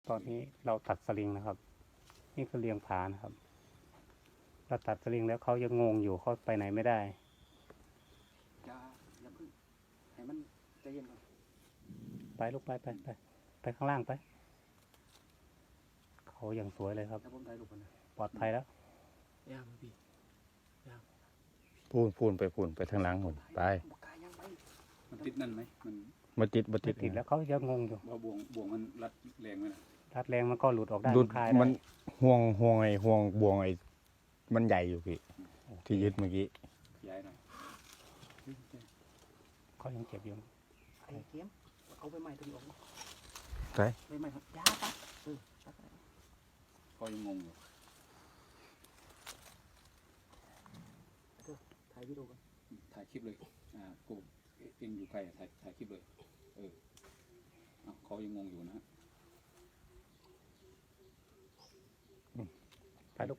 ตอนนี้เราตัดสลิงนะครับ นี่คือเลียงผานะครับเราตัดสลิงแล้วเขายังงงอยู่เขาไปไหนไม่ได้อย่าพึ่งให้มันใจเย็นก่อนไปลูกไปข้างล่างไปเขายังสวยเลยครับแล้วผมถ่ายรูปก่อนนะปลอดภัยแล้วย่ามาพี่พูนไปทางหลังหมดไปปากกายังไปมันติดนั่นไหมมันมาติดไม่ติดแล้วเขายังงงอยู่ว่าบ่วงมันรัดแรงไหมนะรัดแรงมันก็หลุดออกได้ดูดคลายมันได้ห่วงบ่วงมันใหญ่อยู่พี่ที่ยึดเมื่อกี้ย้ายหน่อยเขายังเจ็บอยู่ไอ้เข็มเอาไปใหม่ตัวนี้ออกมาไปไปใหม่ครับยาตัดตัดเขายังงงอยู่ถ่ายวิดีโอก่อนถ่ายคลิปเลยกูเองอยู่ไกลถ่ายคลิปเลยเขายังงงอยู่นะไปลูก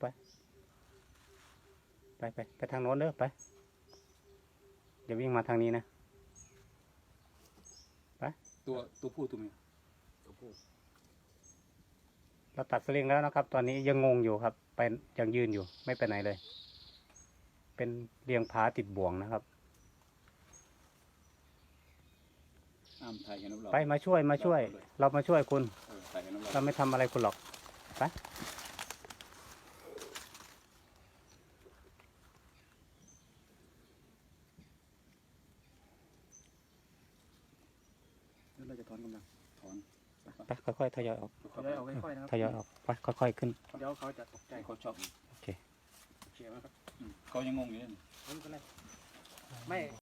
ไปทางโน้นเด้อไปอย่าวิ่งมาทางนี้นะตัวผู้ตัวเมียตัวผู้เราตัดสลิงแล้วนะครับ ตอนนี้ยังงงอยู่ครับไปยังยืนอยู่ไม่ไปไหนเลย เป็นเลียงผาติดบ่วงนะครับถ่ายเห็นเราไปมาช่วยเรามาช่วยคุณถ่ายเห็นเราไม่ทำอะไรคุณหรอกไปแล้วเราจะถอนกำลังถอนไปค่อยๆทยอยออกเดี๋ยวเอาค่อยๆนะครับทยอยออกไปค่อยๆขึ้นเดี๋ยวเขาจะตกใจเขาชอบโอเคเขียนไหมครับเขายังงงอยู่เลยไม่เป็นไรไม่